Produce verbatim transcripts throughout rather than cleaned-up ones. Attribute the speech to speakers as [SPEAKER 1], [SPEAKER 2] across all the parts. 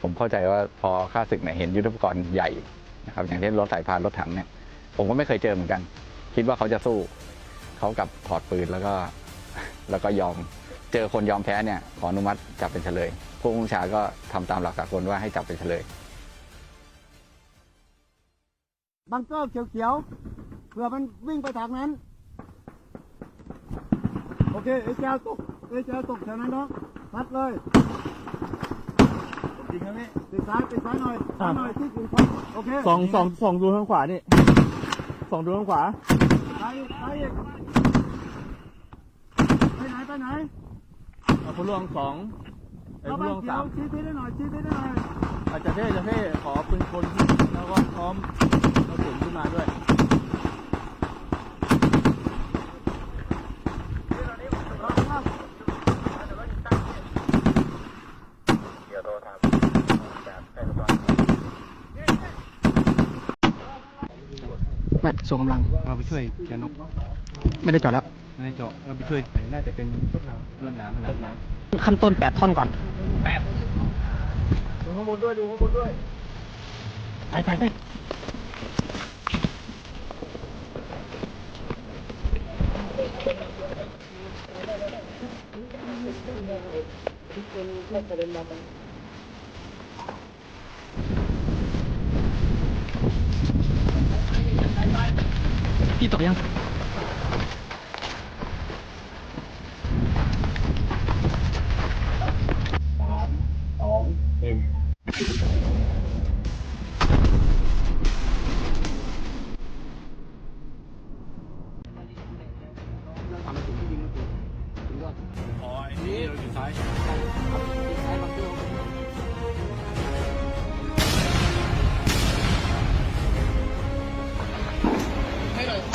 [SPEAKER 1] ผมเข้าใจว่าพอข้าศึกเนี่ยเห็นยุทโธปกรณ์ใหญ่นะครับอย่างเช่นรถสายพานรถถังเนี่ยผมก็ไม่เคยเจอเหมือนกันคิดว่าเขาจะสู้เขากับถอดปืนแล้วก็แล้วก็ยอมเจอคนยอมแพ้เนี่ยขออนุมัติจับเป็นเฉลยผู้บัญชาก็ทำตามหลักสากลว่าให้จับเป็นเฉลย
[SPEAKER 2] บังเกอร์เขียวๆเผื่อมันวิ่งไปทางนั้นโอเคเอเจลตกเอเจลตกแถวนั้นเนาะพัดเลยจริงนะพี่ติดซ้ายติดซ้ายหน่อยซ้ายหน่อยที่ถึงพัดโอเค
[SPEAKER 3] สองสองสองดูทางขวานี่สองดูทางขวา
[SPEAKER 2] ซ้ายซ้ายอีกไปไหนไปไหน
[SPEAKER 3] เอาผู้ล่วงสองไอ้ผู้ล่วงสาม
[SPEAKER 2] ชี้ที่ได้หน่อยชี้ที่ได้หน่อย
[SPEAKER 3] อาจจะเท่จะเท่ขอปืนคนแล้วก็พร้อมเอาถุงขึ้นมาด้วย
[SPEAKER 4] ไม่ส่งกำลัง
[SPEAKER 3] เราไปช่วยแกนก
[SPEAKER 4] ไม่ได้จอดแล้ว
[SPEAKER 3] ไม่ได้เจาะเราไปช่วยน่าจะเป็นเรื่องน้ำอะไรน้
[SPEAKER 4] ำขั้นต้นแปดท่อนก่อน
[SPEAKER 3] แปดดูข้างบนด้วยดูข้างบนด้วย
[SPEAKER 4] ไปไปไปพี่ตกยัง
[SPEAKER 3] อ๋อไอ้นี่เราอยู่ซ้ายให้หน่อย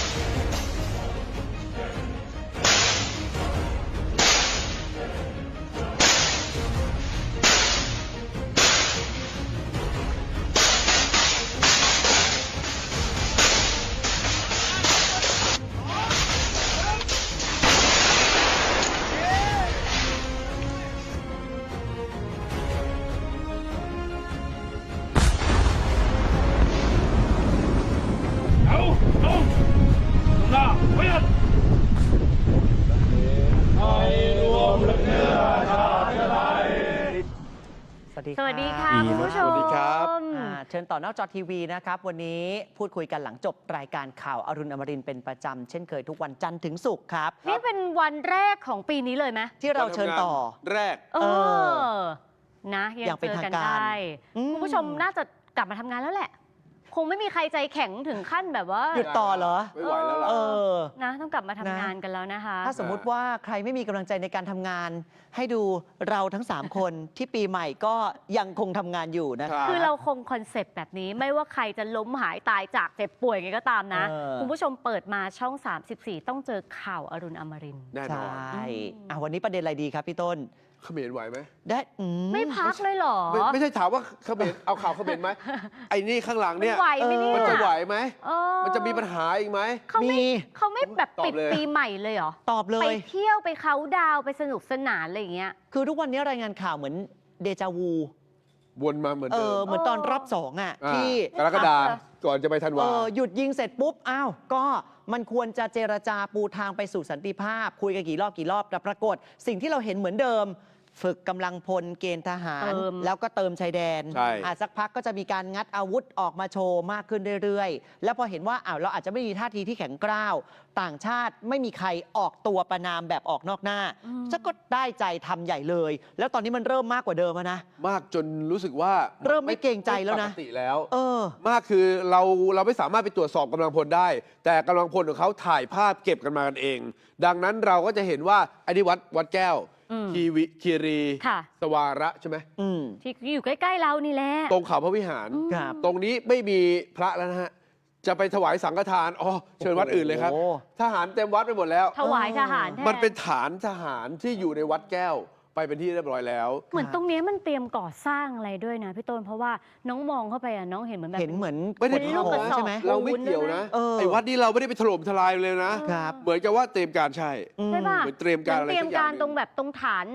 [SPEAKER 5] สวัสดีค่ะคุณผู้ชม
[SPEAKER 6] สวัสดีครับ
[SPEAKER 5] เชิญต่อหน้าจอทีวีนะครับวันนี้พูดคุยกันหลังจบรายการข่าวอรุณอมรินทร์เป็นประจำเช่นเคยทุกวันจันทร์ถึงศุกร์ครับ
[SPEAKER 6] นี่เป็นวันแรกของปีนี้เลยไหม
[SPEAKER 5] ที่เราเชิญต่อ
[SPEAKER 6] แรก
[SPEAKER 5] เอ
[SPEAKER 6] อ
[SPEAKER 5] นะยังเจอกันได้คุณผู้ชมน่าจะกลับมาทำงานแล้วแหละคงไม่มีใครใจแข็งถึงขั้นแบบว่าหยุดต่อเหรอ
[SPEAKER 6] ไม่ไหวแล้วล่ะ
[SPEAKER 5] นะต้องกลับมาทำงานกันแล้วนะคะถ้าสมมุติว่าใครไม่มีกำลังใจในการทำงานให้ดูเราทั้งสามคนที่ปีใหม่ก็ยังคงทำงานอยู่นะคะ
[SPEAKER 6] คื
[SPEAKER 5] อ
[SPEAKER 6] เราคงคอนเซปต์แบบนี้ไม่ว่าใครจะล้มหายตายจากเจ็บป่วยไงก็ตามนะคุณผู้ชมเปิดมาช่องสามสิบสี่ต้องเจอข่าวอรุณอมรินทร์
[SPEAKER 5] แน่นอนใช่วันนี้ประเด็นอะไรดีครับพี่ต้น
[SPEAKER 6] เขมรไหวไหม
[SPEAKER 5] ได้
[SPEAKER 6] ไม่
[SPEAKER 5] พักเลยหรอ
[SPEAKER 6] ไม่ไม่ใช่ถามว่าเขมรเอาข่าวเขมรไหมไอ้นี่ข้างหลังเนี่ยมันจะไหวไหมมันจะมีปัญหาอีกไหม
[SPEAKER 5] เขาไม่
[SPEAKER 6] เขาไม่
[SPEAKER 5] แบบ
[SPEAKER 6] ปิด
[SPEAKER 5] ปีใหม่เลยเหรอตอบเลยไปเที่ยวไปเขาดาวไปสนุกสนานอะไรอย่างเงี้ยคือทุกวันนี้รายงานข่าวเหมือนเดจาวู
[SPEAKER 6] วนมาเหมือนเดิม
[SPEAKER 5] เหมือนตอนรอบสองอ่ะที่
[SPEAKER 6] กรกฎาก่อนจะไปธันวา
[SPEAKER 5] หยุดยิงเสร็จปุ๊บอ้าวก็มันควรจะเจรจาปูทางไปสู่สันติภาพคุยกันกี่รอบกี่รอบแต่ปรากฏสิ่งที่เราเห็นเหมือนเดิมฝึกกำลังพลเกณฑ์ทหารแล้วก็เติมชายแดนอาจสักพักก็จะมีการงัดอาวุธออกมาโชว์มากขึ้นเรื่อยๆแล้วพอเห็นว่าอ้าวเราอาจจะไม่มีท่าทีที่แข็งกร้าวต่างชาติไม่มีใครออกตัวประนามแบบออกนอกหน้าจะก็ได้ใจทำใหญ่เลยแล้วตอนนี้มันเริ่มมากกว่าเดิมนะ
[SPEAKER 6] มากจนรู้สึกว่า
[SPEAKER 5] เริ่มไม่เกรงใจแล้วนะ
[SPEAKER 6] ปกติแล้วเออมากคือเราเราไม่สามารถไปตรวจสอบกำลังพลได้ แต่กำลังพลของเขาถ่ายภาพเก็บกันมากันเองดังนั้นเราก็จะเห็นว่าไอ้นี่วัดวัดแก้วคีวิคีรีสวาระใช่ไหม
[SPEAKER 5] ที่อยู่ใกล้ๆเรานี่แหละ
[SPEAKER 6] ตรงเขาพระวิหารตรงนี้ไม่มีพระแล้วนะฮะจะไปถวายสังฆทานอ๋อเชิญวัดอื่นเลยครับทหารเต็มวัดไปหมดแล้ว
[SPEAKER 5] ถวายทหาร
[SPEAKER 6] มันเป็นฐานทหารที่อยู่ในวัดแก้วไปเป็นที่เรียบร้อยแล้ว
[SPEAKER 5] เหมือนตรงนี้มันเตรียมก่อสร้างอะไรด้วยนะพี่ต้นเพราะว่าน้องมองเข้าไปอ่ะน้องเห็นเหมือนแบบเห็นเหมือน
[SPEAKER 6] ไม่ได้
[SPEAKER 5] ลูกกระสอบ
[SPEAKER 6] ใช่ไหมเราไม่เกี่ยวนะไอ้วัดนี้เราไม่ได้ไปถล่มทลายเลยนะเหมือนกับว่าเตรียมการใช่
[SPEAKER 5] ใช่ป่ะ
[SPEAKER 6] เหมือนเตรียมการอะไร
[SPEAKER 5] เตรียมการตรงแบบตรงฐาน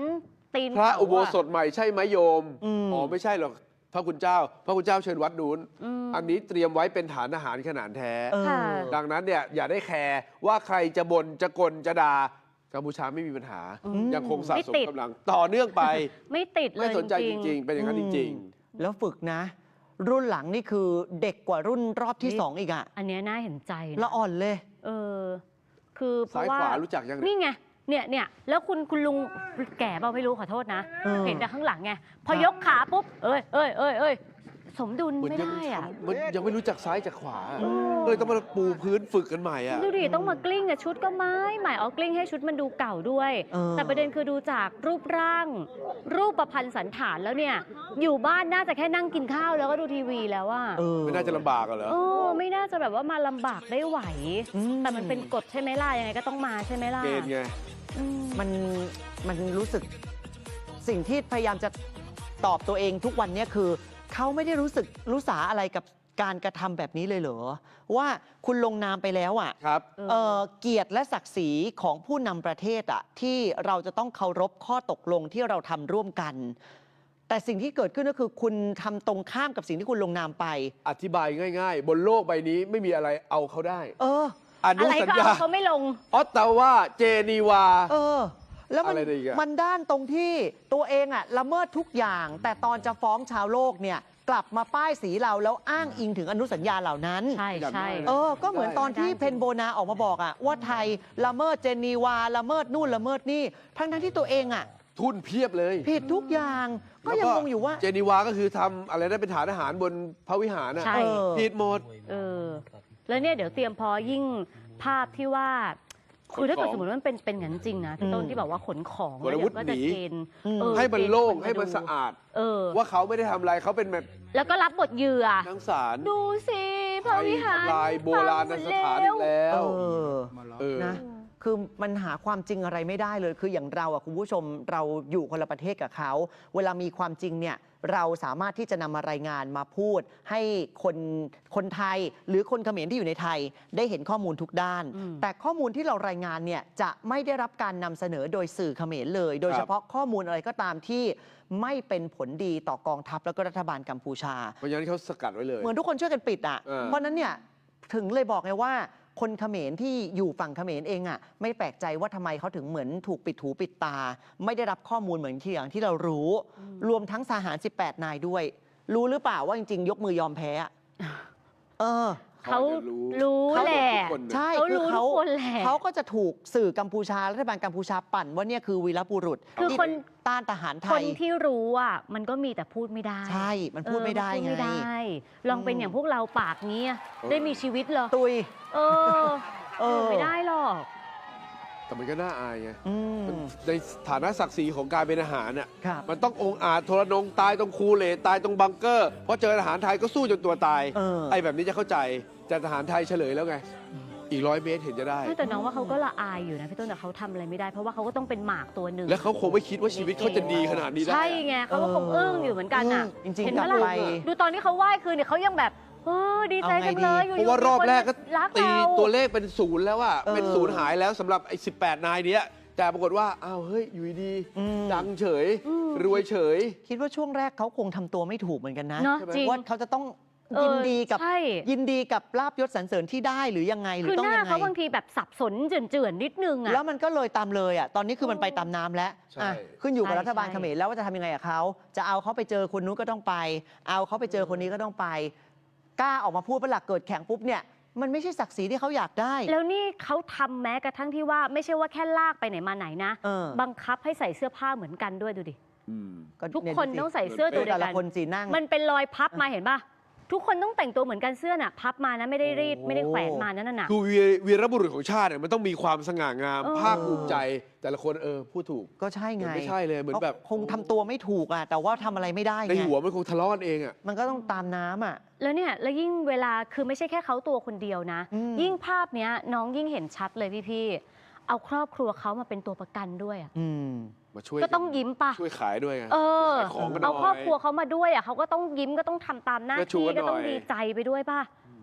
[SPEAKER 7] ตีน
[SPEAKER 6] พระ
[SPEAKER 7] เขา
[SPEAKER 6] อุโบ
[SPEAKER 7] อะ
[SPEAKER 6] สถใหม่ใช่ไหมโยม
[SPEAKER 5] อืม
[SPEAKER 6] อ๋อไม่ใช่หรอกพระคุณเจ้า พระคุณเจ้าเชิญวัดนู้น
[SPEAKER 7] อืม
[SPEAKER 6] อันนี้เตรียมไว้เป็นฐานอาหารขนาดแท้
[SPEAKER 5] เออ
[SPEAKER 7] ค่ะ
[SPEAKER 6] ดังนั้นเนี่ยอย่าได้แคร์ว่าใครจะบ่นจะกลจะด่ากัมพูชาไม่มีปัญหา
[SPEAKER 7] อืม
[SPEAKER 6] ยังคงสะ
[SPEAKER 7] ไม่
[SPEAKER 6] สม
[SPEAKER 7] ติด
[SPEAKER 6] กำลังต่อเนื่องไป
[SPEAKER 7] ไม่ติดเล
[SPEAKER 6] ไม่
[SPEAKER 7] ย
[SPEAKER 6] สนใจจ
[SPEAKER 7] จริ
[SPEAKER 6] ริ
[SPEAKER 7] ง
[SPEAKER 6] ง ๆ เป็นอย่างนั้นจริง
[SPEAKER 5] แล้วฝึกนะ รุ่นหลังนี่คือเด็กกว่ารุ่นรอบที่
[SPEAKER 7] นี่
[SPEAKER 5] สองอีกอะ
[SPEAKER 7] ๆ อันเนี้ยน่าเห็นใจนะ
[SPEAKER 5] ละอ่อนเลย
[SPEAKER 7] เออ คือเพ
[SPEAKER 6] ซ้าย
[SPEAKER 7] ราะว่า
[SPEAKER 6] ขวารู้จักยังเนี่ย
[SPEAKER 7] นี่ไง เนี่ยเนี่ยแล้วคุณคุณลุงแก่เปล่าไม่รู้ขอโทษนะ
[SPEAKER 5] เออ
[SPEAKER 7] เห็นแต่ข้างหลังไง พอ
[SPEAKER 5] ครับ
[SPEAKER 7] ยกขาปุ๊บ เอ้ยเอ้ยเอ้ยเอ้ยสมดุล
[SPEAKER 6] เหมือน
[SPEAKER 7] ไม่
[SPEAKER 6] ยัง
[SPEAKER 7] ได้อ่ะ
[SPEAKER 6] มันยังไม่รู้จักซ้ายจากขวาเลยต้องมาปูพื้นฝึกกันใหม่อ่ะ
[SPEAKER 7] ดูดิต้องมากลิ้งอะชุดก็ไม้ใหม่เอากลิ้งให้ชุดมันดูเก่าด้วย
[SPEAKER 5] เออ
[SPEAKER 7] แต่ประเด็นคือดูจากรูปร่าง รูปประพันธ์สันฐานแล้วเนี่ย อยู่บ้านน่าจะแค่นั่งกินข้าวแล้วก็ดูทีวีแล้วว่า
[SPEAKER 5] เออ
[SPEAKER 6] ไม่น่าจะลำบากอะเหรอ
[SPEAKER 7] โอ้ไม่น่าจะแบบว่ามาลำบากได้ไหว
[SPEAKER 5] อืม
[SPEAKER 7] แต่มันเป็นกฎใช่ไหมล่ะยังไงก็ต้องมาใช่ไหมล่ะ
[SPEAKER 6] เกณฑ์ไง
[SPEAKER 7] อืม
[SPEAKER 5] มันมันรู้สึกสิ่งที่พยายามจะตอบตัวเองทุกวันเนี้คือเขาไม่ได้รู้สึกรู้สาอะไรกับการกระทำแบบนี้เลยเหรอ ว่าคุณลงนามไปแล้วอ่ะ
[SPEAKER 6] ครับ
[SPEAKER 5] เอ่อเกียรติและศักดิ์ศรีของผู้นำประเทศอ่ะที่เราจะต้องเคารพข้อตกลงที่เราทำร่วมกัน แต่สิ่งที่เกิดขึ้นก็คือคุณทำตรงข้ามกับสิ่งที่คุณลงนามไป
[SPEAKER 6] อธิบายง่าย ๆ บนโลกใบนี้ไม่มีอะไรเอาเขาได้
[SPEAKER 5] เออ
[SPEAKER 6] อนุ
[SPEAKER 7] อะไร
[SPEAKER 6] สัญ
[SPEAKER 7] ก็
[SPEAKER 6] ญา
[SPEAKER 7] เอาเขาไม่ลง
[SPEAKER 6] ออตตาวาเจนีวา
[SPEAKER 5] เออ แล้วมัน
[SPEAKER 6] อะไรได้อีกอะ
[SPEAKER 5] มันด้านตรงที่ตัวเองอะละเมิดทุกอย่าง แต่ตอนจะฟ้องชาวโลกเนี่ย กลับมาป้ายสีเราแล้วอ้างอิงถึงอนุสัญญาเหล่านั้น
[SPEAKER 7] ใช่ใช่
[SPEAKER 5] เออ ก็เหมือนตอนที่เพนโบนาออกมาบอกอะว่าไทยละเมิดเจนีวาละเมิดนู่นละเมิดนี่ ทั้งทั้งๆที่ตัวเองอะ
[SPEAKER 6] ทุนเพียบเลย
[SPEAKER 5] ผิดทุกอย่าง ก็ยังงงอยู่ว่า
[SPEAKER 6] เจนีวาก็คือทำอะไรได้เป็นฐานอาหารบนพระวิหารน่ะ
[SPEAKER 7] ใช่
[SPEAKER 5] เออ
[SPEAKER 6] ผิดหมด
[SPEAKER 7] เออ แล้วเนี่ยเดี๋ยวเตรียมพอยิ่งภาพที่ว่า คือถ้าเกิดสมมติว่ามันเป็นเป็นอย่างนั้นจริงนะพี่ต้น
[SPEAKER 5] อืม
[SPEAKER 7] ที่บอกว่าขนของ
[SPEAKER 6] วรวุฒิ
[SPEAKER 7] แล้วเดี๋ยวก็จะ
[SPEAKER 6] หนี
[SPEAKER 7] เกณฑ์
[SPEAKER 5] อืม
[SPEAKER 7] เออ
[SPEAKER 6] ให้มัน
[SPEAKER 7] เกณฑ์
[SPEAKER 6] โล่ง
[SPEAKER 7] ค
[SPEAKER 6] ให้มัน
[SPEAKER 7] ดู
[SPEAKER 6] สะอาด
[SPEAKER 7] เออ
[SPEAKER 6] ว่าเขาไม่ได้ทำอะไรเขาเป็นแบบ
[SPEAKER 7] แล้วก็รับบทเหยื่อ
[SPEAKER 6] นังสาร
[SPEAKER 7] ดูสิพระวิหาร
[SPEAKER 6] ลายโบราณสถานอีกแล้ว
[SPEAKER 5] เออ
[SPEAKER 6] เออ
[SPEAKER 5] นะ คือมันหาความจริงอะไรไม่ได้เลย คืออย่างเราอะคุณผู้ชมเราอยู่คนละประเทศกับเขา เวลามีความจริงเนี่ยเราสามารถที่จะนำมารายงานมาพูด ให้คนคนไทยหรือคนเขมรที่อยู่ในไทย ได้เห็นข้อมูลทุกด้าน
[SPEAKER 7] อืม
[SPEAKER 5] แต่ข้อมูลที่เรารายงานเนี่ยจะไม่ได้รับการนำเสนอโดยสื่อเขมรเลย โดยเฉพาะข้อมูลอะไรก็ตามที่ไม่เป็นผลดีต่อกองทัพแล้วก็รัฐบาลกัมพูชา
[SPEAKER 6] เพราะฉะนั้นเขาสกัดไว้เลย
[SPEAKER 5] เหมือนทุกคนช่วยกันปิดอ่ะ
[SPEAKER 6] เออ
[SPEAKER 5] เพราะฉะนั้นเนี่ยถึงเลยบอกไงว่า คนเขมรที่อยู่ฝั่งเขมรเองอ่ะไม่แปลกใจว่าทำไมเขาถึงเหมือนถูกปิดหูปิดตา ไม่ได้รับข้อมูลเหมือนที่อย่างที่เรารู้ รวมทั้งทหารสิบแปดนายด้วย รู้หรือเปล่าว่าจริง ๆ ยกมือยอมแพ้อะเออ
[SPEAKER 7] เขา
[SPEAKER 6] เขาจะรู้
[SPEAKER 7] รู้
[SPEAKER 5] เขา
[SPEAKER 7] แหละ
[SPEAKER 6] ทุกคน
[SPEAKER 5] ใช่
[SPEAKER 7] เขา
[SPEAKER 5] คือ
[SPEAKER 7] รู้
[SPEAKER 5] เขา
[SPEAKER 7] ทุกคนแหละ
[SPEAKER 5] เขาก็จะถูกสื่อกัมพูชารัฐบาลกัมพูชาปั่นว่าเนี่ยคือวีรบุรุษ
[SPEAKER 7] คือ
[SPEAKER 5] ที่
[SPEAKER 7] คน
[SPEAKER 5] ต้านทหารไท
[SPEAKER 7] คน
[SPEAKER 5] ย
[SPEAKER 7] ที่รู้อ่ะมันก็มีแต่พูดไม่ได้
[SPEAKER 5] ใช่มันพูดไม่ได้
[SPEAKER 7] เออ
[SPEAKER 5] ไง
[SPEAKER 7] พูดไม่ได้ ลองเป็น
[SPEAKER 5] อืม
[SPEAKER 7] อย่างพวกเราปากนี้อะได้มีชีวิตเหรอ
[SPEAKER 5] ตุย
[SPEAKER 7] เออ
[SPEAKER 5] เออ
[SPEAKER 7] ไม่ได้หรอก
[SPEAKER 6] แต่มันก็น่าอายไง
[SPEAKER 5] อืม
[SPEAKER 6] ในฐานะศักดิ์ศรีของการเป็นอาหารน่ะ
[SPEAKER 5] ครับ
[SPEAKER 6] มันต้ององอาจโทรนงตายตรงคูเลตตายตรงบังเกอร์เพราะเจอทหารไทยก็สู้จนตัวตาย
[SPEAKER 5] เออ
[SPEAKER 6] ไอ้แบบนี้จะเข้าใจแต่ทหารไทยเฉลยแล้วไง อีกร้อยเมตรเห็นจะได้
[SPEAKER 7] ไม่แต่น้องว่าเขาก็ละอายอยู่นะพี่ต้นแต่เขาทำอะไรไม่ได้เพราะว่าเขาก็ต้องเป็นหมากตัวหนึ่ง
[SPEAKER 6] แล้วเขาคงไม่คิดว่าชีวิตเขาจะดีขนาดนี้ได้
[SPEAKER 7] ใช่
[SPEAKER 6] อะ
[SPEAKER 7] ไงเขาก็คงอึ้งอยู่เหมือนกันอ่ะ
[SPEAKER 5] จริง
[SPEAKER 7] เห็น
[SPEAKER 5] ๆ
[SPEAKER 7] ไห
[SPEAKER 5] ก
[SPEAKER 7] ม
[SPEAKER 5] ลับ
[SPEAKER 7] ล่ะ
[SPEAKER 5] ไป
[SPEAKER 7] ดูตอนที่เขาไหว้คืนเนี่ยเขายังแบบเออดีใจจังเลยอยู่
[SPEAKER 6] เพราะว่ารอบแรกก็
[SPEAKER 7] รัก
[SPEAKER 6] ตี
[SPEAKER 7] เรา
[SPEAKER 6] ตัวเลขเป็นศูนย์แล้วอะ
[SPEAKER 5] เออ
[SPEAKER 6] เป็นศูนย์หายแล้วสำหรับไอ้สิบแปดนายเนี้ยแต่ปรากฏว่าอ้าวเฮ้ยอยู่ดี
[SPEAKER 5] อืม
[SPEAKER 6] ดังเฉย
[SPEAKER 7] อืม
[SPEAKER 6] รวยเฉย
[SPEAKER 5] คิดว่าช่วงแรกเขาคงทำตัวไม่ถูกเหมือนกันนะ
[SPEAKER 7] เนาะ
[SPEAKER 6] ใช่ไหม
[SPEAKER 7] จริง
[SPEAKER 5] ว่าเขาจะต้อง
[SPEAKER 7] เออ
[SPEAKER 5] ยินดีกับ
[SPEAKER 7] ใช่
[SPEAKER 5] ยินดีกับลาบยศสรรเสริญที่ได้หรือยังไงหรื
[SPEAKER 7] คือ อ
[SPEAKER 5] ต้อง
[SPEAKER 7] หน้า
[SPEAKER 5] ยังไง
[SPEAKER 7] เขาบางทีแบบสับสนเจือนๆนิดนึงอ่ะ
[SPEAKER 5] แล้วมันก็เลยตามเลยอ่ะตอนนี้คือมันไปตามน้ำแล้ว
[SPEAKER 6] ใช่
[SPEAKER 5] อ่ะขึ้นอยู่กับ
[SPEAKER 7] ใช่
[SPEAKER 5] รัฐบาล
[SPEAKER 7] ใช่
[SPEAKER 5] เขมรแล้วว่าจะทำยังไงกับเขาจะเอาเขาไปเจอคนนู้นก็ต้องไป เอาเขาไปเจอคนนี้ก็ต้องไป กล้าออกมาพูดเป็นหลักเกิดแข่งปุ๊บเนี่ยมันไม่ใช่ศักดิ์ศรีที่เขาอยากได้
[SPEAKER 7] แล้วนี่เขาทำแม้กระทั่งที่ว่าไม่ใช่ว่าแค่ลากไปไหนมาไหนนะ
[SPEAKER 5] เออ
[SPEAKER 7] บังคับให้ใส่เสื้อผ้าเหมือนกันด้วยดูดิ
[SPEAKER 6] อืม
[SPEAKER 7] ทุก
[SPEAKER 5] เย
[SPEAKER 7] คน
[SPEAKER 5] ดูสิ
[SPEAKER 7] ต้องใส่เสื้อตัวเดีย
[SPEAKER 5] แต่
[SPEAKER 7] ว
[SPEAKER 5] ละ
[SPEAKER 7] กัน
[SPEAKER 5] คนสีนั่ง
[SPEAKER 7] มันเป็นรอยพับมาเห็นป่ะ ทุกคนต้องแต่งตัวเหมือนกันเสื้อน่ะ พับมานะไม่ได้รีด
[SPEAKER 5] โอ้
[SPEAKER 7] ไม่ได้แขวนมานั่นน่ะ
[SPEAKER 6] คือวีวีรบุรุษของชาติเนี่ยมันต้องมีความสง่างาม
[SPEAKER 7] เออ
[SPEAKER 6] ภาคภูมิใจ แต่ละคนเออพูดถูก
[SPEAKER 5] ก็ใช่ไง
[SPEAKER 6] มันไม่ใช่เลยเหมือนแบบ
[SPEAKER 5] ขาคงทำตัวไม่ถูกอ่ะแต่ว่าทำอะไรไม่ได้
[SPEAKER 6] ใน
[SPEAKER 5] ไง
[SPEAKER 6] หัวมันคงทะเลาะกันเองอ่ะ
[SPEAKER 5] มันก็ต้องตามน้ำอ่ะ
[SPEAKER 7] แล้วเนี่ยแล้วยิ่งเวลาคือไม่ใช่แค่เขาตัวคนเดียวนะ
[SPEAKER 5] อืม
[SPEAKER 7] ยิ่งภาพเนี้ยน้องยิ่งเห็นชัดเลยพี่ๆเอาครอบครัวเขามาเป็นตัวประกันด้วยอะ
[SPEAKER 5] อืม
[SPEAKER 6] มาช่วย
[SPEAKER 7] ก็ต้องยิ้มป่ะ
[SPEAKER 6] ช่วยขายด้วยไง
[SPEAKER 7] เออ
[SPEAKER 6] ขายของกันหน่
[SPEAKER 7] เอา
[SPEAKER 6] อย
[SPEAKER 7] ครอบครัวเขามาด้วยอ่ะเขาก็ต้องยิ้มก็ต้องทำตามหน้า
[SPEAKER 6] ก็ชู
[SPEAKER 7] ที่
[SPEAKER 6] กันหน่อย
[SPEAKER 7] ก็ต้องดีใจไปด้วยป่ะ เอ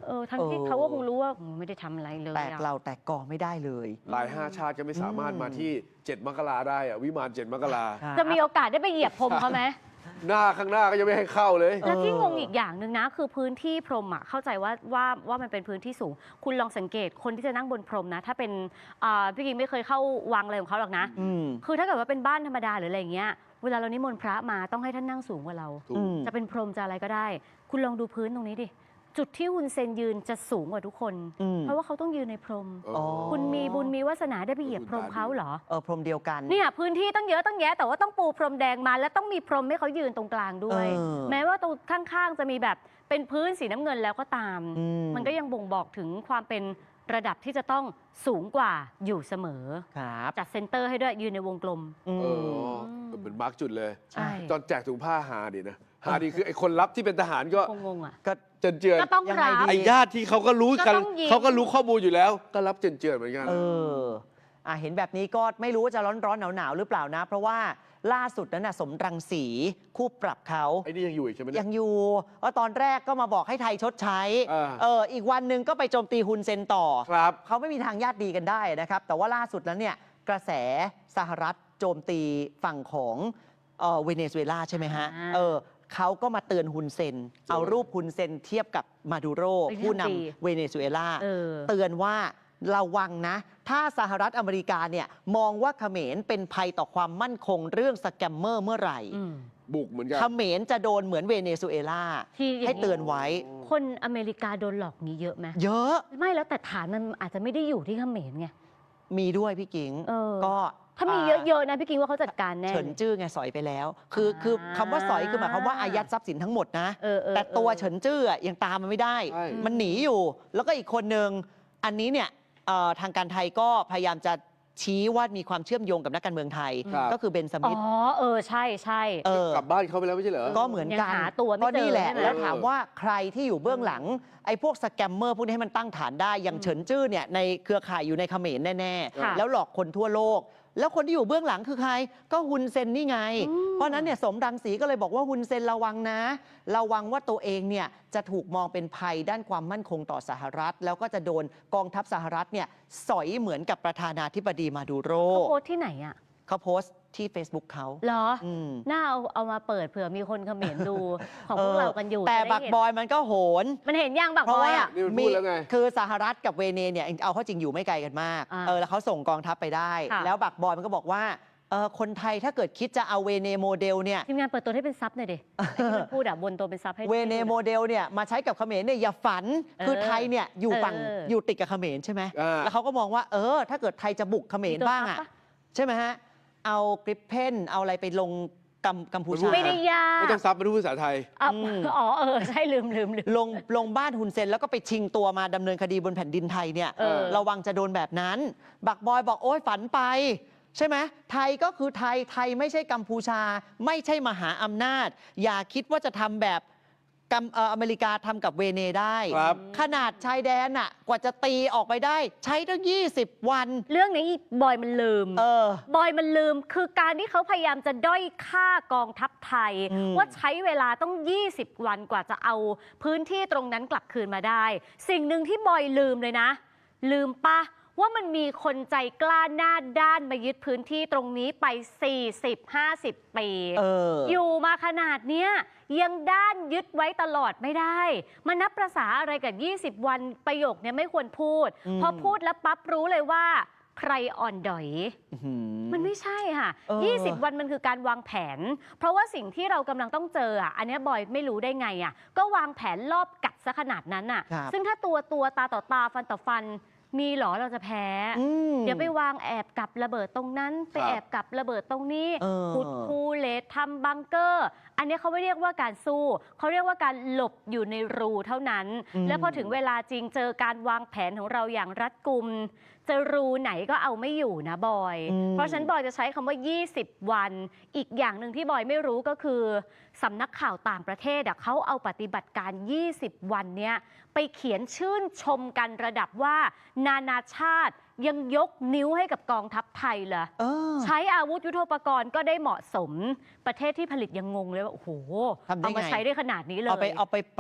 [SPEAKER 7] เออทั้งที่
[SPEAKER 5] เออ
[SPEAKER 7] เขาก็คงรู้ว่าอืมไม่ได้ทำอะไรเลย
[SPEAKER 5] แตก
[SPEAKER 7] อะ
[SPEAKER 5] เราแตกกอไม่ได้เลย
[SPEAKER 6] หลายห้าชาติก็ไม่สามารถมาที่เจ็ดมกราได้อะวิมานเจ็ดมกรา
[SPEAKER 7] จะมีโอกาสได้ไปเหยียบพรมเขาไหม
[SPEAKER 6] หน้าข้างหน้าก็ยังไม่ให้เข้าเลย
[SPEAKER 7] แล้วที่งงอีกอย่างหนึ่งนะ คือพื้นที่พรมอ่ะเข้าใจว่าว่าว่ามันเป็นพื้นที่สูง คุณลองสังเกตคนที่จะนั่งบนพรมนะ ถ้าเป็นอ่าพี่กิ๊กไม่เคยเข้าวังอะไรของเขาหรอกนะ
[SPEAKER 5] อืม
[SPEAKER 7] คือถ้าเกิดว่าเป็นบ้านธรรมดาหรืออะไรอย่างเงี้ยเวลาเรานิมนต์พระมาต้องให้ท่านนั่งสูงกว่าเรา
[SPEAKER 6] ถูก
[SPEAKER 5] อืม
[SPEAKER 7] จะเป็นพรมจะอะไรก็ได้ คุณลองดูพื้นตรงนี้ดิ จุดที่ฮุนเซนยืนจะสูงกว่าทุกคน
[SPEAKER 5] อืม
[SPEAKER 7] เพราะว่าเขาต้องยืนในพรม
[SPEAKER 5] อ๋อ
[SPEAKER 7] คุณมีบุญมีวาสนาได้ไปเหยียบพรมเขาเหรอ
[SPEAKER 5] เออพรมเดียวกัน
[SPEAKER 7] เนี่ยพื้นที่ตั้งเยอะตั้งแยะแต่ว่าต้องปูพรมแดงมา และต้องมีพรมให้เขายืนตรงกลางด้วย
[SPEAKER 5] เออ
[SPEAKER 7] แม้ว่าตรงข้างๆจะมีแบบเป็นพื้นสีน้ำเงินแล้วก็ตาม
[SPEAKER 5] อืม
[SPEAKER 7] มันก็ยังบ่งบอกถึงความเป็นระดับที่จะต้องสูงกว่าอยู่เสมอ
[SPEAKER 5] ครับ
[SPEAKER 7] จัดเซนเตอร์ให้ด้วยยืนในวงกลม
[SPEAKER 5] อื
[SPEAKER 6] เอ
[SPEAKER 5] ม
[SPEAKER 6] อเป็นมาร์กจุดเลย
[SPEAKER 7] ใช่
[SPEAKER 6] ตอนแจกถุงผ้าหาดีนะหาดีคือไอ้คนรับที่เป็นทหารก็
[SPEAKER 7] งงๆอ่ะ
[SPEAKER 5] ก็
[SPEAKER 6] เจินเจือน
[SPEAKER 7] ก็ต้อง
[SPEAKER 5] ยังไง
[SPEAKER 7] รับ
[SPEAKER 5] ดี
[SPEAKER 6] ไอ้ญาติที่เขาก็รู้กัน
[SPEAKER 7] ก็ต้องยิ้ม
[SPEAKER 6] เขาก็รู้ข้อมูลอยู่แล้ว ก็รับเจินเจือนเหมือนกัน
[SPEAKER 5] เอออ่ะเห็นแบบนี้ก็ไม่รู้ว่าจะร้อนร้อนหนาวหนาวๆหรือเปล่านะ เพราะว่าล่าสุดนั้นน่ะสมรังสีคู่ปรับเขา
[SPEAKER 6] ไอ้นี่ยังอยู่อีกใช่ไหมเนี่
[SPEAKER 5] ยั
[SPEAKER 6] ย
[SPEAKER 5] งอยู่แล้วตอนแรกก็มาบอกให้ไทยชดใช้
[SPEAKER 6] อ่า
[SPEAKER 5] เอออีกวันหนึ่งก็ไปโจมตีฮุนเซนต่อ
[SPEAKER 6] ครับ
[SPEAKER 5] เขาไม่มีทางญาติดีกันได้นะครับ แต่ว่าล่าสุดนั้นเนี่ยกระแสสหรัฐโจมตีฝั่งของเอ่อเวเนซุเอลาใช่ไหมฮะ
[SPEAKER 7] อ่า
[SPEAKER 5] เออเขาก็มาเตือนฮุนเซน เอารูปฮุนเซนเทียบกับมาดูโร
[SPEAKER 7] เป็น
[SPEAKER 5] ผู้น
[SPEAKER 7] ดี
[SPEAKER 5] ำเวเนซุเอลา
[SPEAKER 7] เออ
[SPEAKER 5] เตือนว่าระวังนะ ถ้าสหรัฐอเมริกาเนี่ยมองว่าเขมรเป็นภัยต่อความมั่นคงเรื่องสแกมเมอร์เมื่อไหร่
[SPEAKER 7] อืม
[SPEAKER 6] บุกเหมือนกัน
[SPEAKER 5] เขมรจะโดนเหมือนเวเนซุเอลา
[SPEAKER 7] ที่อย่างนี้
[SPEAKER 5] ให้เตือนไว้
[SPEAKER 7] คนอเมริกาโดนหลอกนี้เยอะไหม
[SPEAKER 5] เยอะ
[SPEAKER 7] ไม่แล้วแต่ฐานมันอาจจะไม่ได้อยู่ที่เขมรไง
[SPEAKER 5] มีด้วยพี่กิง
[SPEAKER 7] เออ
[SPEAKER 5] ก็
[SPEAKER 7] ถ้ามีเยอะๆนะพี่กิงว่าเขาจัดการแน่
[SPEAKER 5] เฉินจื้อไงสอยไปแล้ว คือ
[SPEAKER 7] อ่า
[SPEAKER 5] คือคำว่าสอยคือหมายความว่าอายัดทรัพย์สินทั้งหมดนะ
[SPEAKER 7] เออเออ
[SPEAKER 5] แต่ตัว
[SPEAKER 7] ออ
[SPEAKER 5] เฉินจื้ออะยังตามมันไม่ได้
[SPEAKER 6] ใช่
[SPEAKER 5] มันหนีอยู่ แล้วก็อีกคนหนึ่งอันนี้เนี่ยเอ่อทางการไทยก็พยายามจะชี้ว่ามีความเชื่อมโยงกับนักการเมืองไทย
[SPEAKER 6] ครับ
[SPEAKER 5] ก็คือเบนส
[SPEAKER 7] อ๋
[SPEAKER 5] มิธ
[SPEAKER 7] อเออใช่ใช่
[SPEAKER 5] เออ
[SPEAKER 6] กลับบ้านเขาไปแล้วไม่ใช่เหรอ
[SPEAKER 5] ก็เหมือนกัน
[SPEAKER 7] ยังหาตัวไม่
[SPEAKER 5] ก็นี่แหละ
[SPEAKER 7] เจอใช่ไหม
[SPEAKER 5] แล้วถามว่าใครที่อยู่เบื้องหลัง ไอ้พวกสแกมเมอร์พวกนี้ให้มันตั้งฐานได้ อย่างเฉินจื้อเนี่ยในเครือข่ายอยู่ในเขมรแน่
[SPEAKER 7] ค่ะ
[SPEAKER 5] ๆ แล้วหลอกคนทั่วโลก แล้วคนที่อยู่เบื้องหลังคือใคร ก็ฮุนเซนนี่ไง
[SPEAKER 7] อืม
[SPEAKER 5] เพราะฉะนั้นเนี่ยสมรังสีก็เลยบอกว่าฮุนเซนระวังนะ ระวังว่าตัวเองเนี่ยจะถูกมองเป็นภัยด้านความมั่นคงต่อสหรัฐ แล้วก็จะโดนกองทัพสหรัฐเนี่ยสอยเหมือนกับประธานาธิบดีมาดูโร
[SPEAKER 7] เขาโพสต์ที่ไหนอ่ะ
[SPEAKER 5] เขาโพสต์ที่ Facebook เขา
[SPEAKER 7] เหรอ
[SPEAKER 5] อืม
[SPEAKER 7] น่าเอาเอามาเปิดเผื่อมีคนเขมรดู ของพวกเรากันอยู่
[SPEAKER 5] แต่
[SPEAKER 7] จะได้
[SPEAKER 5] บัก
[SPEAKER 7] เห็น
[SPEAKER 5] บอยมันก็โหน
[SPEAKER 7] มันเห็นยังบัก
[SPEAKER 5] เพ
[SPEAKER 7] บ
[SPEAKER 5] ราะ
[SPEAKER 7] อย
[SPEAKER 5] ว่า
[SPEAKER 7] อ่ะ
[SPEAKER 6] นี่มันพูดแล้วไง
[SPEAKER 5] คือสหรัฐกับเวเนเนี่ยเอาเข้าจริงอยู่ไม่ไกลกันมาก
[SPEAKER 7] อ่า
[SPEAKER 5] เออแล้วเขาส่งกองทัพไปได้
[SPEAKER 7] ค่ะ
[SPEAKER 5] แล้วบักบอยมันก็บอกว่าเออคนไทยถ้าเกิดคิดจะเอาเวเนโมเดลเนี่ย
[SPEAKER 7] ทีมงานเปิดตัวให้เป็นซับหน่อยดิไอ้ที่มันพูดอ่ะบนตัวเป็นซับให้
[SPEAKER 5] เวเนโมเดลเนี่ยมาใช้กับเขมรเนี่ยอย่าฝัน
[SPEAKER 7] เออ
[SPEAKER 5] คือไทยเนี่ยอยู่ฝั่ง
[SPEAKER 7] เออ
[SPEAKER 5] อ
[SPEAKER 7] อ
[SPEAKER 5] ยู่ติดกับเขมรใช่ไหม
[SPEAKER 6] อ่า
[SPEAKER 5] แล้วเขาก็มองว่าเออถ้าเกิดไทยจะบุกเขมร
[SPEAKER 7] มีตัว
[SPEAKER 5] บ้าง
[SPEAKER 7] ซั
[SPEAKER 5] อ่ะ
[SPEAKER 7] ปะ
[SPEAKER 5] ใช่ไหมฮะเอากริปเพนเอาอะไรไปลงกัมกัมพูชา
[SPEAKER 7] ไม่ได้ยาก
[SPEAKER 6] ไม่ต้องซับมาดูภาษาไทย
[SPEAKER 7] อ่ะ
[SPEAKER 5] อืม
[SPEAKER 7] อ๋อเออใช่ลืมลืมลืม
[SPEAKER 5] ลงลงบ้านฮุนเซนแล้วก็ไปชิงตัวมาดำเนินคดีบนแผ่นดินไทยเนี่ย
[SPEAKER 7] เออ
[SPEAKER 5] ระวังจะโดนแบบนั้น บักบอยบอกโอ้ยฝันไป ใช่ไหมไทยก็คือไทยไทยไม่ใช่กัมพูชา ไม่ใช่มหาอำนาจ อย่าคิดว่าจะทำแบบกัมเอ่ออเมริกาทำกับเวเนได้
[SPEAKER 6] ครับ
[SPEAKER 5] ขนาดชายแดนน่ะกว่าจะตีออกไปได้ ใช้ตั้งยี่สิบวัน
[SPEAKER 7] เรื่องนี้บอยมันลืม
[SPEAKER 5] เออ
[SPEAKER 7] บอยมันลืมคือการที่เขาพยายามจะด้อยค่ากองทัพไทย
[SPEAKER 5] อืม
[SPEAKER 7] ว่าใช้เวลาต้อง ยี่สิบ วันกว่าจะเอาพื้นที่ตรงนั้นกลับคืนมาได้ สิ่งหนึ่งที่บอยลืมเลยนะ ลืมปะว่ามันมีคนใจกล้าหน้าด้านมายึดพื้นที่ตรงนี้ไป สี่สิบ ห้าสิบ ปี
[SPEAKER 5] เออ
[SPEAKER 7] อยู่มาขนาดเนี้ยยังด้านยึดไว้ตลอดไม่ได้มันนับประษาอะไรกับ ยี่สิบ วันประโยคเนี้ยไม่ควรพูด
[SPEAKER 5] อืม
[SPEAKER 7] พอพูดแล้วปั๊บรู้เลยว่าใครอ่อนดอย
[SPEAKER 5] อื้อหือ
[SPEAKER 7] มันไม่ใช่ค่ะ
[SPEAKER 5] เออ
[SPEAKER 7] ยี่สิบ วันมันคือการวางแผน เพราะว่าสิ่งที่เรากำลังต้องเจออ่ะ อันเนี้ยบอยไม่รู้ได้ไงอ่ะ ก็วางแผนรอบกัดซะขนาดนั้นอ่ะ
[SPEAKER 5] ครับ
[SPEAKER 7] ซึ่งถ้าตัวตัวตาต่อตาฟันต่อฟัน มีเหรอเราจะแพ้
[SPEAKER 5] อืม
[SPEAKER 7] เดี๋ยวไปวางแอบกับระเบิดตรงนั้น ไป
[SPEAKER 6] ครับ
[SPEAKER 7] แอบกับระเบิดตรงนี้
[SPEAKER 5] เออ
[SPEAKER 7] ขุดคูเลตทำบังเกอร์ อันเนี้ยเขาไม่เรียกว่าการสู้ เขาเรียกว่าการหลบอยู่ในรูเท่านั้น
[SPEAKER 5] อืม
[SPEAKER 7] แล้วพอถึงเวลาจริงเจอการวางแผนของเราอย่างรัดกุม จะรูไหนก็เอาไม่อยู่นะบอย
[SPEAKER 5] อืม
[SPEAKER 7] เพราะฉะนั้นบอยจะใช้คำว่า ยี่สิบ วัน อีกอย่างหนึ่งที่บอยไม่รู้ก็คือสำนักข่าวต่างประเทศอะเขาเอาปฏิบัติการ ยี่สิบ วันเนี้ยไปเขียนชื่นชมกันระดับว่านานาชาติยังยกนิ้วให้กับกองทัพไทยเลย
[SPEAKER 5] เออ
[SPEAKER 7] ใช้อาวุธยุทโธปกรณ์ก็ได้เหมาะสม ประเทศที่ผลิตยังงงเลยว่า โอ้โห
[SPEAKER 5] ทำได้ไง
[SPEAKER 7] เอามาใช้ได้ขนาดนี้เลย
[SPEAKER 5] เอาไปเอาไปปรับ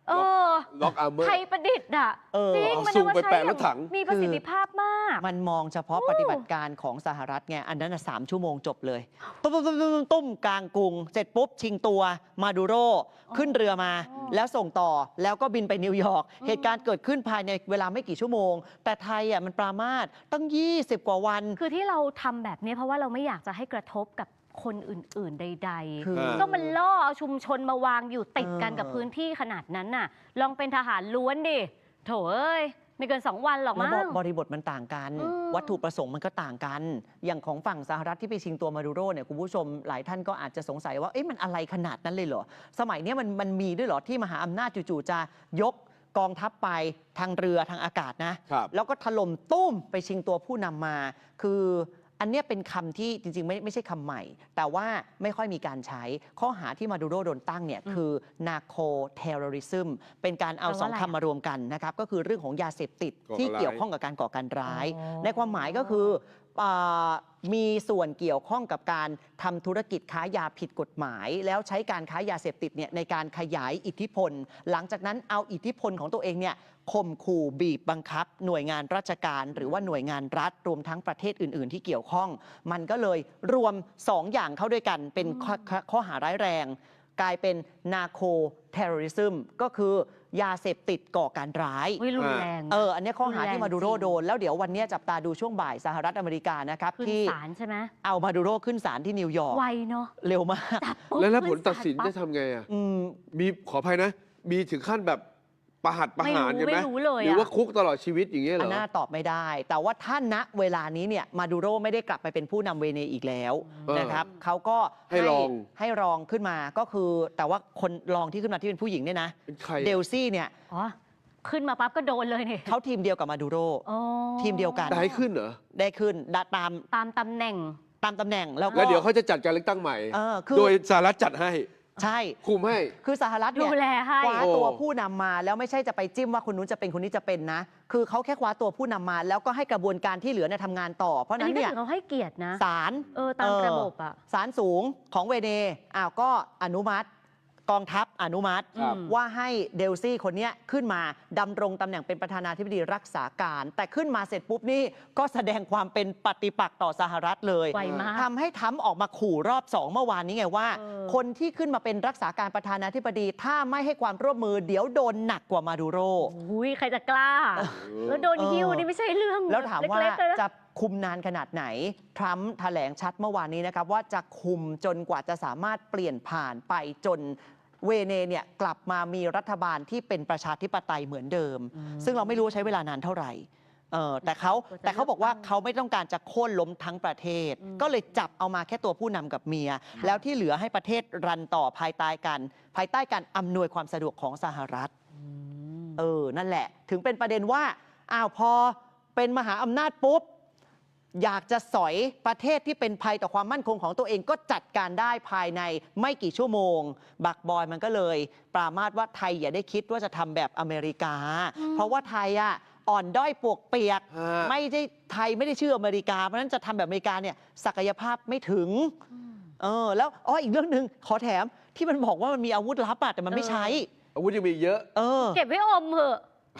[SPEAKER 7] เออ
[SPEAKER 6] ล็อกอาร์เมอร์
[SPEAKER 7] ไทยประดิษฐ์อ่ะ
[SPEAKER 5] เออ
[SPEAKER 7] จริง
[SPEAKER 6] เอา
[SPEAKER 7] มัน
[SPEAKER 6] ซู
[SPEAKER 7] เอา
[SPEAKER 6] ม
[SPEAKER 7] มา
[SPEAKER 6] ไป
[SPEAKER 7] ใช้
[SPEAKER 6] แปะ
[SPEAKER 7] อ
[SPEAKER 6] ร
[SPEAKER 7] ย่า
[SPEAKER 6] ถ
[SPEAKER 7] ง
[SPEAKER 6] ถัง
[SPEAKER 7] มีประสิทธิภาพมาก
[SPEAKER 5] มันมองเฉพาะ
[SPEAKER 7] โอ้
[SPEAKER 5] ปฏิบัติการของสหรัฐไงอันนั้นนะสามชั่วโมงจบเลย ตุ้มตุ้มตุ้มตุ้มตุ้มกลางกรุง เสร็จปุ๊บ ชิงตัวมาดูโรขึ้นเรือมา แล้วส่งต่อแล้วก็บินไปนิวยอร์กเหตุการณ์เกิดขึ้นภายในเวลาไม่กี่ชั่วโมง แต่ไทยอ่ะมันปรามาสตั้ง ยี่สิบ กว่าวัน
[SPEAKER 7] คือที่เราทำแบบนี้เพราะว่าเราไม่อยากจะให้กระทบกับคนอื่น ๆ ใด
[SPEAKER 5] คือ
[SPEAKER 7] ๆ ก็มันล่อเอาชุมชนมาวางอยู่ติดกัน
[SPEAKER 5] เออ
[SPEAKER 7] กับพื้นที่ขนาดนั้นน่ะ ลองเป็นทหารล้วนดิ โถเอ้ย ไม่เกินสองวันหรอก
[SPEAKER 5] แล้ว
[SPEAKER 7] มั้ง
[SPEAKER 5] บริบทมันต่างกัน
[SPEAKER 7] อืม
[SPEAKER 5] วัตถุประสงค์มันก็ต่างกัน อย่างของฝั่งสหรัฐที่ไปชิงตัวมาดูโรเนี่ยคุณผู้ชมหลายท่านก็อาจจะสงสัยว่าเอ๊ะมันอะไรขนาดนั้นเลยเหรอ สมัยเนี้ยมันมันมีด้วยเหรอที่มหาอำนาจจู่ๆจะยกกองทัพไปทางเรือทางอากาศนะ
[SPEAKER 6] ครับ
[SPEAKER 5] แล้วก็ถล่มตุ้มไปชิงตัวผู้นำมา คืออันเนี้ยเป็นคำที่จริงๆ ไม่ไม่ใช่คำใหม่ แต่ว่าไม่ค่อยมีการใช้ ข้อหาที่มาดูโรโดนตั้งเนี่ยคือ narco terrorism เป็นการเอา
[SPEAKER 7] แปลว่า
[SPEAKER 5] สอง
[SPEAKER 7] อะไร
[SPEAKER 5] คำมารวมกันนะครับ ก็คือเรื่องของยาเสพติด
[SPEAKER 6] ก่อการร้าย
[SPEAKER 5] ที่เกี่ยวข้องกับการก่อการร้าย
[SPEAKER 7] อ๋อ
[SPEAKER 5] ในความหมายก็คืออ่ามีส่วนเกี่ยวข้องกับการทำธุรกิจค้ายาผิดกฎหมาย แล้วใช้การค้ายาเสพติดเนี่ยในการขยายอิทธิพล หลังจากนั้นเอาอิทธิพลของตัวเองเนี่ยข่มขู่บีบบังคับ หน่วยงานราชการ หรือว่าหน่วยงานรัฐรวมทั้งประเทศอื่น ๆ ที่เกี่ยวข้อง มันก็เลยรวมสองอย่างเข้าด้วยกันเป็นข้อข้อข้อหาร้ายแรง กลายเป็น narco terrorism ก็คือยาเสพติดก่อการร้าย
[SPEAKER 7] วิรุนแรง
[SPEAKER 5] เออ อันเนี้ยข้อหาที่มาดูโร
[SPEAKER 7] รุนแรงจริง
[SPEAKER 5] โดน แล้วเดี๋ยววันเนี้ยจับตาดูช่วงบ่ายสหรัฐอเมริกานะครับ
[SPEAKER 7] ขึ้น
[SPEAKER 5] ที่
[SPEAKER 7] ศาลใช่ไหม
[SPEAKER 5] เอามาดูโรขึ้นศาลที่นิวยอร์ก
[SPEAKER 7] ไวเนาะ
[SPEAKER 5] เร็วมาก
[SPEAKER 7] จับปุ๊บ
[SPEAKER 6] แล้วแล้วผล
[SPEAKER 7] ขึ้
[SPEAKER 6] ตัดสิน
[SPEAKER 7] ศาลปั๊
[SPEAKER 6] จะ
[SPEAKER 7] บ
[SPEAKER 6] ทำไงอ่ะ
[SPEAKER 5] อืม
[SPEAKER 6] มีขออภัยนะ มีถึงขั้นแบบประหัตประหารกันไหม
[SPEAKER 7] ไม่รู้ไม่รู้เลยอะ
[SPEAKER 6] หรือว่าคุกตลอดชีวิตอย่างเงี้ยเหร
[SPEAKER 5] อัน
[SPEAKER 6] อ
[SPEAKER 5] น่าตอบไม่ได้ แต่ว่าถ้าณเวลานี้เนี่ยมาดูโรไม่ได้กลับไปเป็นผู้นำเวเนอีกแล้ว
[SPEAKER 6] เออ
[SPEAKER 5] นะครับเขาก็
[SPEAKER 6] ให้รอง
[SPEAKER 5] ให้รองขึ้นมาก็คือ แต่ว่าคนรองที่ขึ้นมาที่เป็นผู้หญิงเนี่ยนะ
[SPEAKER 6] เป็นใคร
[SPEAKER 5] เดลซี่เนี่ย
[SPEAKER 7] อ๋อ ขึ้นมาปั๊บก็โดนเลยนี่
[SPEAKER 5] เขาทีมเดียวกับมาดูโร
[SPEAKER 7] อ๋อ
[SPEAKER 5] ทีมเดียวกัน
[SPEAKER 6] ได้ขึ้นเหรอ
[SPEAKER 5] ได้ขึ้นดะตาม
[SPEAKER 7] ตามตำแหน่ง
[SPEAKER 5] ตามตำแหน่งแล้วก็
[SPEAKER 6] แล้วเดี๋ยวเขาจะจัดการเลือกตั้งใหม่
[SPEAKER 5] เออคือ
[SPEAKER 6] โดยสหรัฐจัดให้
[SPEAKER 5] ใช่
[SPEAKER 6] คุมให้
[SPEAKER 5] คือสหรัฐ
[SPEAKER 7] ดู
[SPEAKER 5] เนี่ย
[SPEAKER 7] แลให้
[SPEAKER 5] คว้า
[SPEAKER 6] โอ้
[SPEAKER 5] ตัวผู้นำมาแล้วไม่ใช่จะไปจิ้มว่าคนนู้นจะเป็นคนนี้จะเป็นนะ คือเขาแค่คว้าตัวผู้นำมา แล้วก็ให้กระบวนการที่เหลือเนี่ยทำงานต่อ เพราะ
[SPEAKER 7] อัน
[SPEAKER 5] นั้น
[SPEAKER 7] นี้ก็
[SPEAKER 5] เนี่ย
[SPEAKER 7] ถือเขาให้เกียรตินะ
[SPEAKER 5] ศาล
[SPEAKER 7] เออตามระบบอะ
[SPEAKER 5] ศาลสูงของเวเนอ้าวก็อนุมัติ กองทัพอนุมัติ
[SPEAKER 6] ครับ
[SPEAKER 5] ว่าให้เดลซี่คนเนี้ยขึ้นมาดำรงตำแหน่งเป็นประธานาธิบดีรักษาการ แต่ขึ้นมาเสร็จปุ๊บนี่ก็แสดงความเป็นปฏิปักษ์ต่อสหรัฐเลย
[SPEAKER 7] ไวมาก
[SPEAKER 5] ทำให้ทรัมป์ออกมาขู่รอบสองเมื่อวานนี้ไงว่า
[SPEAKER 7] เออ
[SPEAKER 5] คนที่ขึ้นมาเป็นรักษาการประธานาธิบดี ถ้าไม่ให้ความร่วมมือเดี๋ยวโดนหนักกว่ามาดูโร
[SPEAKER 7] อุ้ยใครจะกล้า แล้วโดน
[SPEAKER 5] เออ
[SPEAKER 7] หิ้วนี่ไม่ใช่เรื่อง
[SPEAKER 5] แล้วถามว่า
[SPEAKER 7] เล็กๆเลยนะ
[SPEAKER 5] จะคุมนานขนาดไหน ทรัมป์แถลงชัดเมื่อวานนี้นะครับว่าจะคุมจนกว่าจะสามารถเปลี่ยนผ่านไปจนเวเนเนี่ยกลับมามีรัฐบาลที่เป็นประชาธิปไตยเหมือนเดิม ซึ่งเราไม่รู้ใช้เวลานานเท่าไหร่เออแต่เขาแต่เขาบอกว่าเขาไม่ต้องการจะโค่นล้มทั้งประเทศ ก็เลยจับเอามาแค่ตัวผู้นำกับเมีย แล้วที่เหลือให้ประเทศรันต่อภายใต้กันภายใต้การอำนวยความสะดวกของสหรัฐ เออ นั่นแหละ ถึงเป็นประเด็นว่า อ้าว พอเป็นมหาอำนาจปุ๊บ อยากจะสอยประเทศที่เป็นภัยต่อความมั่นคงของตัวเองก็จัดการได้ภายในไม่กี่ชั่วโมง บักบอยมันก็เลย ปรามาสว่าไทยอย่าได้คิดว่าจะทำแบบอเมริกา เพราะว่าไทยอ่ะอ่อนด้อยปวกเปียก
[SPEAKER 6] ฮะ
[SPEAKER 5] ไม่ได้ไทยไม่ได้ชื่ออเมริกา เพราะฉะนั้นจะทำแบบอเมริกาเนี่ยศักยภาพไม่ถึง เออ แล้วอ๋ออีกเรื่องหนึ่งขอแถมที่มันบอกว่ามันมีอาวุธลับอะแต่มันไม่ใช้
[SPEAKER 6] อาวุธยังมีเยอะ
[SPEAKER 5] เออ
[SPEAKER 7] เก็บไว้อมเหอะ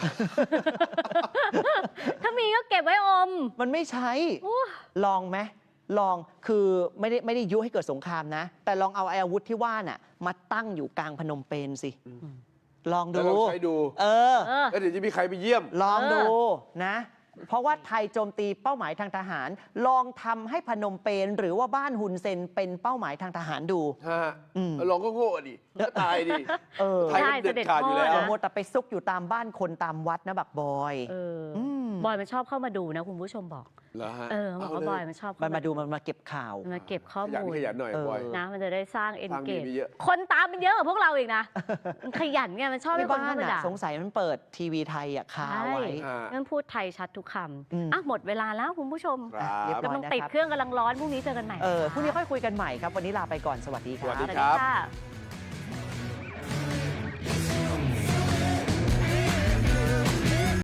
[SPEAKER 7] ถ้ามีก็เก็บไว้อม
[SPEAKER 5] มันไม่ใช้ ลองไหมลองคือไม่ได้ไม่ได้ยุให้เกิดสงครามนะ แต่ลองเอาไอ้อาวุธที่ว่าน่ะมาตั้งอยู่กลางพนมเปญสิ ลอง
[SPEAKER 6] แล้ว
[SPEAKER 5] ดู
[SPEAKER 6] เราใช้ดู
[SPEAKER 5] เออ
[SPEAKER 7] เออ
[SPEAKER 6] แล้วเดี๋ยวจะมีใครไปเยี่ยม
[SPEAKER 5] ลองดู
[SPEAKER 7] เออ
[SPEAKER 5] นะ เพราะว่าไทยโจมตีเป้าหมายทางทหาร ลองทำให้พนมเปญหรือว่าบ้านฮุนเซนเป็นเป้าหมายทางทหารดู
[SPEAKER 6] ฮะ
[SPEAKER 5] อืม
[SPEAKER 6] ลองก็โง่ดิก็ตายดิ
[SPEAKER 5] เออ
[SPEAKER 6] ไทยมันเด็ดขาดอยู่แล้ว
[SPEAKER 5] อย่ามัวแต่ไปซุกอยู่ตามบ้านคนตามวัดนะบักบอย
[SPEAKER 7] เอออ
[SPEAKER 5] ม
[SPEAKER 7] บอยมันชอบเข้ามาดูนะคุณผู้ชมบอก
[SPEAKER 6] เหรอฮะ
[SPEAKER 7] เออบอกว่าบอยมันชอบ
[SPEAKER 5] มั
[SPEAKER 7] เข้
[SPEAKER 5] นมาดูมันมาเก็บข่าว
[SPEAKER 7] มันมาเก็บข้อ
[SPEAKER 6] ขยัน
[SPEAKER 7] มูล
[SPEAKER 6] ขยันหน่อย
[SPEAKER 5] เออ
[SPEAKER 6] บอย
[SPEAKER 7] นะมันจะได้สร้างเอน
[SPEAKER 6] ทาง
[SPEAKER 7] เก
[SPEAKER 6] มี
[SPEAKER 7] จ
[SPEAKER 6] มีเยอะ
[SPEAKER 7] คนตามมันเยอะกว่าพวกเราอีกนะ มันขยันไงมันชอบให้
[SPEAKER 5] ที่
[SPEAKER 7] คน
[SPEAKER 5] บ้าน
[SPEAKER 7] เข้ามา
[SPEAKER 5] อ่ะ
[SPEAKER 7] ด่า
[SPEAKER 5] สงสัยมันเปิดทีวีไทยอ่ะคาไว้
[SPEAKER 6] อ่า
[SPEAKER 7] งั้นพูดไทยชัดทุกค
[SPEAKER 5] อืม
[SPEAKER 7] ำอ่ะหมดเวลาแล้วคุณผู้ชม
[SPEAKER 6] ครับ
[SPEAKER 5] เรียบร้อย
[SPEAKER 7] กำลังติดเครื่องกำลังร้อนพรุ่งนี้เจอกันใหม่
[SPEAKER 5] เออพรุ่งนี้ค่อยคุยกันใหม่ครับ วันนี้ลาไปก่อนสวัสดีค
[SPEAKER 6] สวั
[SPEAKER 5] รั
[SPEAKER 6] ส
[SPEAKER 5] บ
[SPEAKER 6] ดี
[SPEAKER 7] สวัสดีค่ะ